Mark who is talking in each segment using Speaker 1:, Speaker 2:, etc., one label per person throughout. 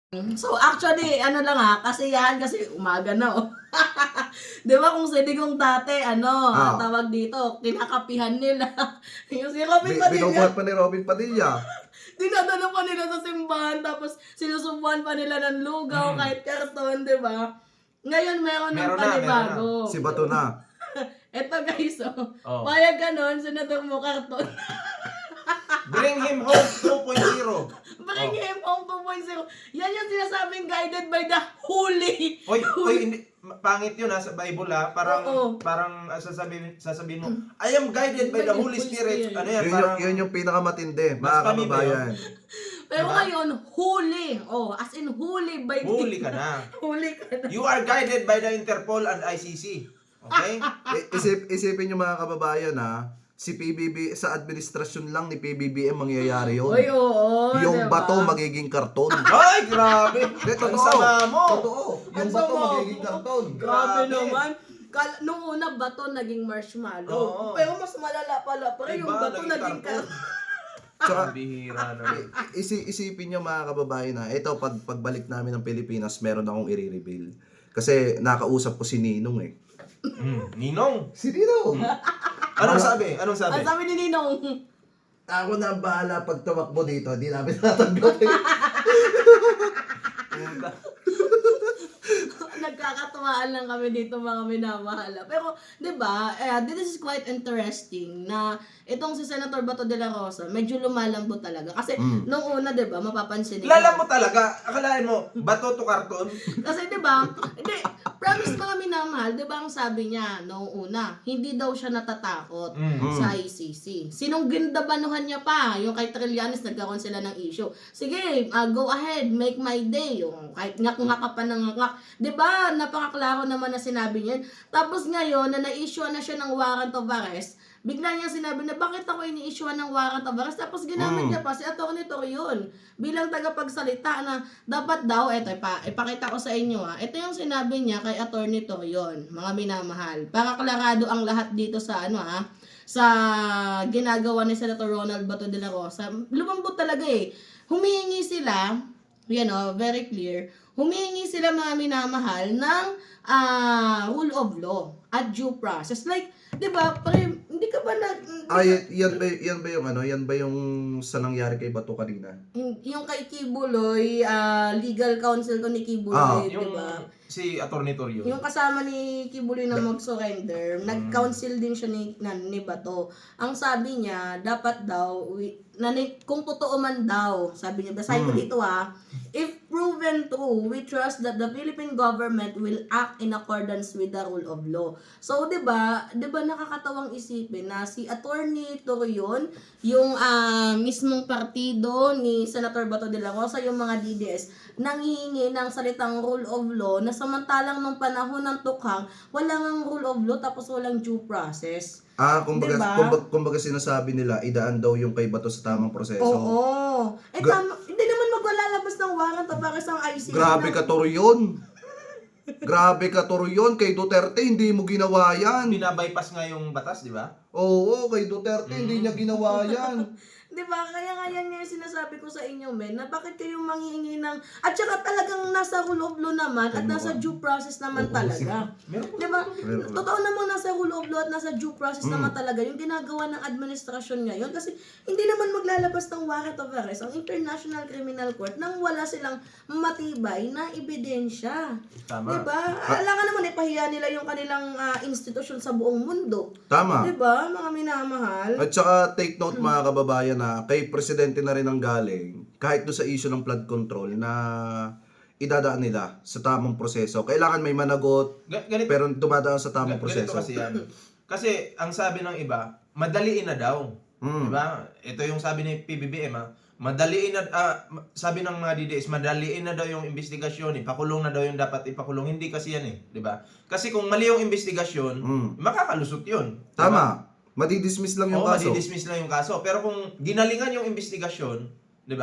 Speaker 1: So actually, ano lang kasiyahan kasi umaga na oh. 'Di ba kung siligong dati tawag dito, kinakapihan nila. Yung si Robin
Speaker 2: Binubuhat
Speaker 1: Padilla,
Speaker 2: pa ni Robin Padilla.
Speaker 1: dinadala pa nila sa simbahan tapos sinusubuan pa nila ng lugaw kahit karton, 'di ba? Ngayon meron ng
Speaker 3: Meron na.
Speaker 1: panibago.
Speaker 2: Si Bato na.
Speaker 1: Eto guys,
Speaker 3: Oh.
Speaker 1: payag ka nun, senador mo karton.
Speaker 3: Bring him home 2.0.
Speaker 1: Bring him home 2.0. Yan yung sinasabing guided by the holy.
Speaker 3: Oy, hindi pangit 'yun sa Bible Parang
Speaker 1: Oo.
Speaker 3: sasabihin mo, I am guided by the Holy Spirit. Ano yan? Parang
Speaker 2: Yun yung pinakamatindi,
Speaker 3: Mas
Speaker 2: mga
Speaker 3: kami ba
Speaker 2: kababayan.
Speaker 1: Pero
Speaker 3: Diba?
Speaker 1: ngayon, holy. Oh, as in holy by the...
Speaker 3: huli ka na.
Speaker 1: Huli ka na.
Speaker 3: You are guided by the Interpol and ICC. Okay?
Speaker 2: Isipin nyo mga kababayan si PBB, sa administrasyon lang ni PBBM mangyayari yun.
Speaker 1: Oy, oo.
Speaker 2: Yung
Speaker 1: diba?
Speaker 2: bato magiging karton.
Speaker 3: Ay, grabe.
Speaker 2: Totoo.
Speaker 3: Ang sama mo.
Speaker 2: Totoo. Yung
Speaker 1: Ang
Speaker 2: bato
Speaker 1: sama
Speaker 2: magiging
Speaker 1: mo.
Speaker 2: karton.
Speaker 1: Grabe
Speaker 3: Grabe.
Speaker 1: naman. Nung una, bato naging marshmallow.
Speaker 3: Oo.
Speaker 1: Pero mas malala pala. Pero yung
Speaker 3: Iba,
Speaker 1: bato
Speaker 3: naging
Speaker 1: naging
Speaker 3: karton.
Speaker 2: Tsaka,
Speaker 3: Ang bihira naman.
Speaker 2: isipin nyo mga kababayan ito, pagbalik namin ng Pilipinas, meron akong i-reveal. Kasi nakausap ko si Ninong
Speaker 3: Ninong.
Speaker 2: Si Ninong!
Speaker 3: Anong sabi? Anong sabi?
Speaker 1: Ang sabi ni Ninong,
Speaker 2: Ako na ang bahala pag tumakbo dito, hindi namin tatanggapin.
Speaker 1: nagkakatuwaan lang kami dito mga minamahala. Pero, di ba, this is quite interesting na itong si Senator Bato de la Rosa, medyo lumalambot talaga. Kasi, nung una, di ba, mapapansin nila.
Speaker 3: Lalam mo talaga. Akalain mo, bato to karton.
Speaker 1: Kasi, di ba, hindi, promise mga minamahal, di ba ang sabi niya noong una, hindi daw siya natatakot sa ICC. Sinong gindabanuhan niya pa? Yung kay Trillanes, nagkaroon sila ng issue. Sige, go ahead, make my day. Yung kahit ngak-ngak ka pa ng ngak. Di ba, napakaklaro naman na sinabi niya. Tapos ngayon, na na-issue na siya ng warrant of arrest, bigla niya sinabi na bakit ako ini-issue ng warrant of arrest, tapos ginamit niya pa si Atty. Torion bilang tagapagsalita na dapat daw, eto ipakita ko sa inyo ito yung sinabi niya kay Atty. Torion, mga minamahal, para klarado ang lahat dito sa sa ginagawa ni Senator Ronald Bato de la Rosa. Lumambot talaga humihingi sila, very clear, humihingi sila mga minamahal ng rule of law at due process. Like, di ba, hindi ka ba
Speaker 2: Yan ba yung yan ba yung sa nangyari kay Bato kanina?
Speaker 1: yung kay Kibuloy, legal counsel ko ni Kibuloy, di
Speaker 3: Yung
Speaker 1: ba?
Speaker 3: si Atty. Torion.
Speaker 1: Yung kasama ni Kibuloy na mag-surrender, nag-counsel din siya ni Bato. Ang sabi niya, dapat daw, kung totoo man daw, sabi niya, basahin ko dito if proven true, we trust that the Philippine government will act in accordance with the rule of law. So, 'di ba nakakatawang isipin na si Atty. Torion, yung mismong partido ni Senator Bato de la Rosa, yung mga DDS, nanghihingi ng salitang rule of law na samantalang nung panahon ng tukhang, wala ngang rule of law tapos walang due process.
Speaker 2: Kumbaga,
Speaker 1: Diba?
Speaker 2: kumbaga sinasabi nila, idaan daw yung kay Bato sa tamang proseso.
Speaker 1: Oo. Hindi naman maglalabas ng warrant of arrest ang ICC.
Speaker 2: Grabe ka, Torion. Grabe ka, Torion. Kay Duterte, hindi mo ginawa yan.
Speaker 3: Binabypass nga yung batas, di ba?
Speaker 2: Oo, kay Duterte, hindi niya ginawa yan.
Speaker 1: Di ba? Kaya nga yan yung sinasabi ko sa inyo, men, na bakit kayo manghihingi ng... At saka talagang nasa rule of law naman at nasa due process naman talaga. Di ba? Totoo namang nasa rule of law at nasa due process naman talaga yung ginagawa ng administrasyon ngayon. Kasi hindi naman maglalabas ng warrant of arrest ang International Criminal Court nang wala silang matibay na ebidensya.
Speaker 3: Tama.
Speaker 1: Di ba? Alangan naman ipahiya nila yung kanilang institusyon sa buong mundo.
Speaker 2: Tama.
Speaker 1: Di ba, mga minamahal?
Speaker 2: At saka take note mga kababayan kay presidente na rin ang galing kahit do sa issue ng flood control na idadaan nila sa tamang proseso. Kailangan may managot pero dumadaan sa tamang proseso.
Speaker 3: Ganito kasi yan. Kasi ang sabi ng iba, madaliin na daw. Diba? Ito yung sabi ni PBBM madaliin na, sabi ng mga DDS, madaliin na daw yung investigasyon, ipakulong na daw yung dapat ipakulong. Hindi kasi yan Diba? Kasi kung mali yung investigasyon, makakalusot yun. Diba?
Speaker 2: Tama. Madidismiss lang yung kaso.
Speaker 3: Madidismiss lang yung kaso. Pero kung ginalingan yung investigasyon, di ba?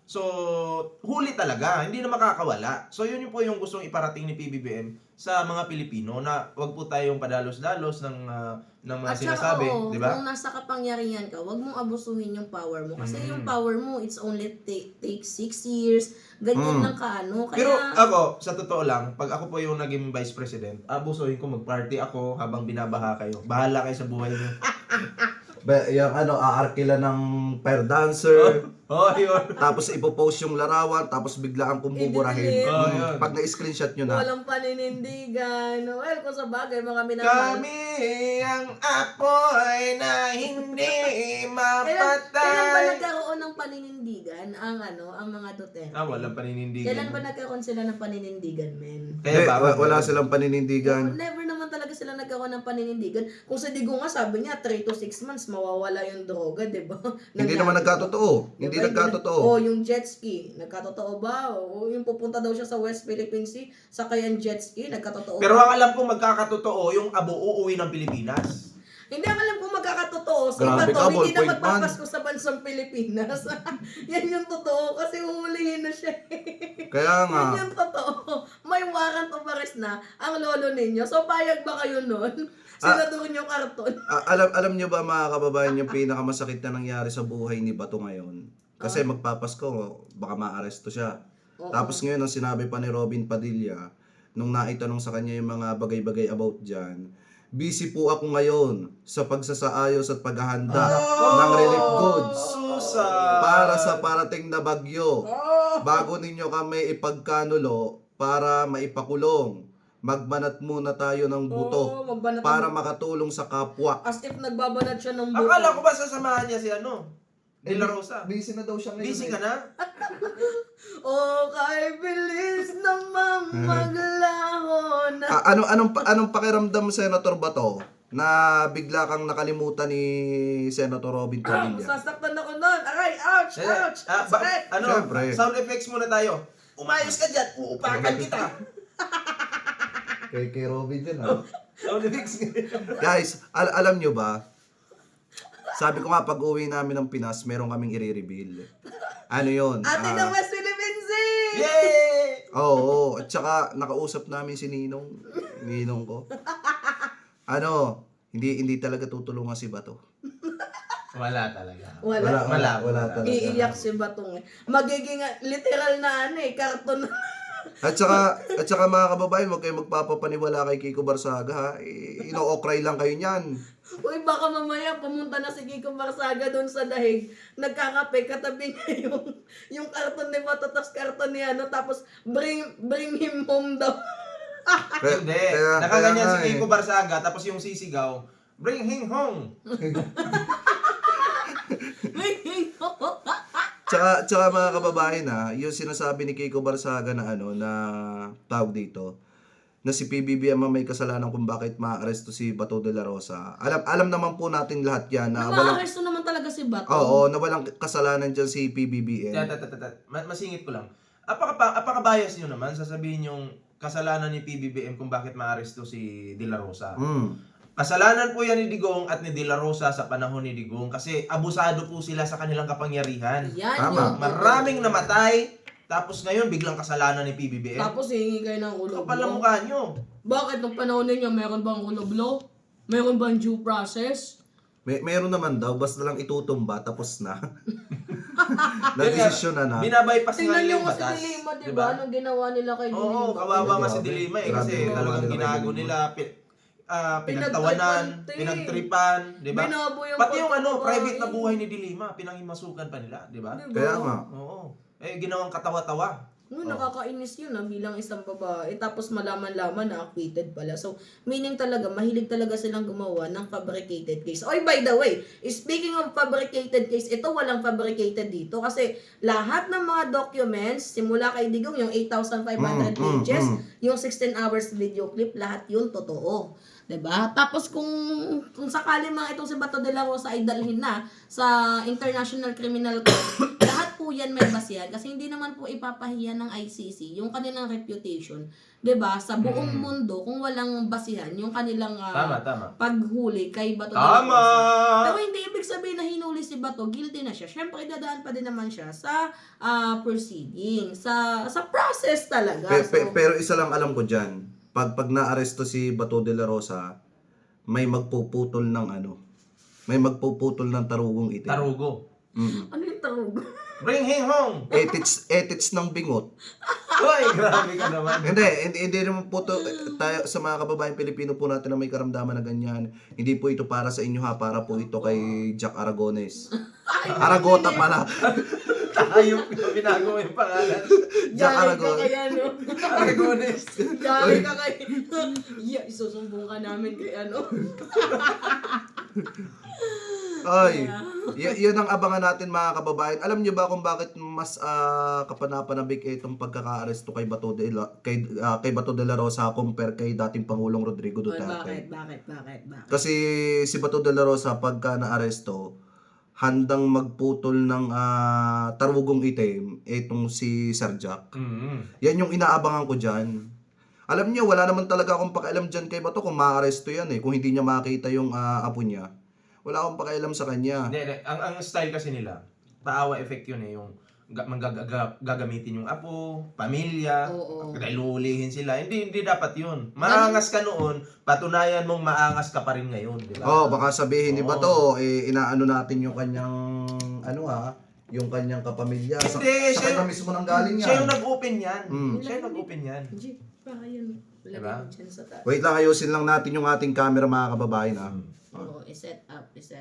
Speaker 3: So, huli talaga, hindi na makakawala. So, yun po yung gustong iparating ni PBBM sa mga Pilipino na wag po tayong padalos-dalos ng mga sinasabi,
Speaker 1: oo,
Speaker 3: di ba?
Speaker 1: kung nasa kapangyarihan ka, wag mong abusuhin yung power mo. Kasi yung power mo, it's only take 6 years. Ganyan lang kaano. Kaya,
Speaker 3: Pero ako, sa totoo lang, pag ako po yung naging vice president, abusuhin ko, mag-party ako habang binabaha kayo. Bahala kayo sa buhay niyo.
Speaker 2: Yung aarkila ng pair dancer.
Speaker 3: Oh, yun.
Speaker 2: Tapos ipopost yung larawan, tapos biglaan kong buburahin.
Speaker 1: I-delete.
Speaker 3: Oh, yun.
Speaker 2: Pag na-screenshot nyo na.
Speaker 1: walang paninindigan. Well, kung sa bagay, mga minamahal.
Speaker 3: Kami ang apoy na hindi
Speaker 1: Kailan ba
Speaker 3: mapatay.
Speaker 1: nagkaroon ng paninindigan ang mga Duterte?
Speaker 3: Walang paninindigan.
Speaker 1: Kailan ba nagkaroon sila ng paninindigan, men?
Speaker 2: Hindi,
Speaker 3: Kaya
Speaker 2: wala silang paninindigan.
Speaker 1: Never naman talaga sila nagkaroon ng paninindigan. Kung sa Digong nga, sabi niya, 3 to 6 months, mawawala yung droga, di ba?
Speaker 2: Hindi naman nagkatotoo. Hindi nagkatotoo.
Speaker 1: yung jet ski, nagkatotoo ba? O yung pupunta daw siya sa West Philippine Sea, sakayan jet ski, nagkatotoo
Speaker 3: Pero
Speaker 1: ba?
Speaker 3: ang alam kong magkakatotoo, yung abo uuwi ng Pilipinas.
Speaker 1: Hindi ang alam kung magkakatotoo. Si
Speaker 2: Grabe
Speaker 1: Bato,
Speaker 2: ka,
Speaker 1: hindi na
Speaker 2: ballpoint man.
Speaker 1: magpapasko sa bansang Pilipinas. Yan yung totoo, kasi uhulihin na siya.
Speaker 2: Kaya nga,
Speaker 1: Yan yung totoo. May warrant of arrest na ang lolo ninyo. So, payag ba kayo nun? Sinaduhin yung karton.
Speaker 2: alam nyo ba mga kababayan yung pinakamasakit na nangyari sa buhay ni Bato ngayon? Kasi magpapasko, baka maaresto siya. Tapos ngayon, ang sinabi pa ni Robin Padilla, nung naitanong sa kanya yung mga bagay-bagay about dyan, busy po ako ngayon sa pagsasaayos at paghahanda ng relief goods para sa parating na bagyo. Bago ninyo kami ipagkanulo para maipakulong, magbanat muna tayo ng buto
Speaker 1: magbanat
Speaker 2: para makatulong sa kapwa.
Speaker 1: As if nagbabanat siya ng buto.
Speaker 3: Akala ko ba sasamahan niya si De La Rosa?
Speaker 2: Busy na daw siya ngayon.
Speaker 3: Busy ka na?
Speaker 1: kay bilis namang maglaho na.
Speaker 2: Anong pakiramdam, Senator Bato, na bigla kang nakalimutan ni Senator Robin Padilla?
Speaker 1: Sasaktan ako nun. Aray, ouch, ouch. Sakit.
Speaker 2: Siyempre.
Speaker 3: Sound effects muna tayo. Umayos ka dyan, uupakan kita.
Speaker 2: Kay Robin dyan, ha?
Speaker 3: Sound effects.
Speaker 2: Guys, alam nyo ba, sabi ko nga, pag uwi namin ng Pinas, meron kaming i-reveal. Ano yun?
Speaker 1: Ate ng West Philippine Sea!
Speaker 3: Yay!
Speaker 2: Oo, at saka nakausap namin si Ninong ko. Hindi talaga tutulungan si Bato.
Speaker 3: Wala talaga.
Speaker 1: Wala.
Speaker 2: talaga.
Speaker 1: Iiyak si Batong eh. Magiging literal na karton.
Speaker 2: At saka mga kababayan, huwag kayong magpapapaniwala kay Kiko Barsaga, ha? Ino-okray lang kayo niyan.
Speaker 1: Uy, baka mamaya pumunta na si Kiko Barsaga doon sa dahig. Nagkakape, katabi niya yung karton ni Bato, tapos karton ni tapos bring him home daw.
Speaker 3: Hindi. Nakaganyan si Kiko Barsaga, tapos yung sisigaw, bring him home.
Speaker 2: Tsaka mga kababayan, ha, yung sinasabi ni Kiko Barsaga na na tawag dito, na si PBBM ang may kasalanan kung bakit maaresto si Bato de la Rosa. Alam naman po natin lahat yan na
Speaker 1: Nakaaresto naman talaga si Bato.
Speaker 2: Oo, na walang kasalanan dyan si PBBM.
Speaker 3: Masingit ko lang. Apaka-bias nyo naman, sasabihin yung kasalanan ni PBBM kung bakit maaresto si De La Rosa. Kasalanan po yan ni Digong at ni De La Rosa sa panahon ni Digong kasi abusado po sila sa kanilang kapangyarihan.
Speaker 1: Yan
Speaker 2: Tama.
Speaker 3: Maraming namatay, tapos ngayon biglang kasalanan ni PBBM.
Speaker 1: Tapos hihingi kayo ng ulo
Speaker 3: Kapal ang mukha nyo.
Speaker 1: Bakit nung panahon ninyo, meron bang ulo blow? Meron bang due process?
Speaker 2: Meron naman daw, basta lang itutumba, tapos na. Na-desisyon na.
Speaker 3: Binabypass nga
Speaker 1: Tingnan
Speaker 3: nila
Speaker 1: nyo
Speaker 3: yung
Speaker 1: nga si
Speaker 3: batas.
Speaker 1: Dilima, diba? Anong ginawa nila kay Dilima?
Speaker 3: Oo, kawawa nga si
Speaker 2: Grabe.
Speaker 3: Dilima
Speaker 2: Grabe
Speaker 3: kasi
Speaker 2: yung
Speaker 3: talagang
Speaker 2: kawawa nila
Speaker 3: ginago
Speaker 2: kay
Speaker 3: nila, pinagtawanan, pinagtripan, di ba?
Speaker 1: Binabo yung
Speaker 3: Pati yung
Speaker 1: pagkababae.
Speaker 3: private na buhay ni Dilima, pinangimasukan pa nila, di ba?
Speaker 1: Diba?
Speaker 2: Kaya nga.
Speaker 3: Oo. Ginawang katawa-tawa.
Speaker 1: Nakakainis yun bilang isang babae. Tapos malaman-laman na acquitted pala. So, meaning talaga, mahilig talaga silang gumawa ng fabricated case. Oy, by the way, speaking of fabricated case, ito walang fabricated dito. Kasi lahat ng mga documents, simula kay Digong, yung 8,500 pages, yung 16 hours video clip, lahat yun totoo. 'Di ba? Tapos kung sakali mga itong si Bato de la Rosa ay dalhin na sa International Criminal Court, lahat po yan may basihan kasi hindi naman po ipapahiya ng ICC yung kanilang reputation, 'di ba? Sa buong mundo kung walang basihan yung kanilang
Speaker 3: Tama.
Speaker 1: paghuli kay Bato de la
Speaker 3: Tama!
Speaker 1: Rosa. Pero hindi ibig sabihin na hinuli si Bato, guilty na siya. Syempre idadaan pa din naman siya sa proceeding, sa process talaga.
Speaker 2: Pero isa lang alam ko diyan, pag naaresto si Bato de la Rosa, may magpuputol ng tarugong itim.
Speaker 3: Tarugo.
Speaker 2: Mm.
Speaker 1: Ano yung tarug?
Speaker 3: Bring him home!
Speaker 2: Edits ng bingot.
Speaker 3: Hoy, grabe ka naman.
Speaker 2: Hindi naman po to, tayo sa mga kababayan Pilipino po natin na may karamdaman na ganyan. Hindi po ito para sa inyo ha, para po ito kay Jack Aragones. Aragota pala.
Speaker 3: Tayo binago yung pangalan.
Speaker 2: Jack
Speaker 1: Jari ka
Speaker 2: Aragones.
Speaker 1: kaya, no?
Speaker 3: Aragones.
Speaker 1: Jari ka kaya. Yeah, isusumbong ka namin kay ano.
Speaker 2: Ay, yun ang abangan natin mga kababayan. Alam niyo ba kung bakit mas kapanapanabik itong pagkaka-aresto kay Bato de la Rosa compare kay dating Pangulong Rodrigo Duterte?
Speaker 1: Bakit?
Speaker 2: Kasi si Bato de la Rosa pagka na-aresto, handang magputol ng tarugong itim itong si Sir Jack. Yan yung inaabangan ko dyan. Alam niyo, wala naman talaga akong pakialam dyan kay Bato kung ma-aresto yan kung hindi niya makita yung apo niya. Wala akong pakialam sa kanya.
Speaker 3: Hindi. Ang style kasi nila, paawa effect yun yung gagamitin yung apo, pamilya, dahil uulihin sila. Hindi dapat yun. Maangas ka noon, patunayan mong maangas ka pa rin ngayon, di ba?
Speaker 2: Baka sabihin ni Bato, inaano natin yung kanyang, yung kanyang kapamilya.
Speaker 3: Hindi,
Speaker 2: sa kanya mismo nang galing yan.
Speaker 3: Siya yung nag-open yan. Siya yung nag-open yan.
Speaker 1: Baka yun.
Speaker 3: Diba?
Speaker 1: Lagyan mo dyan sa taas.
Speaker 2: Wait lang, ayusin lang natin yung ating camera mga kababayan
Speaker 1: Oo, i-set up.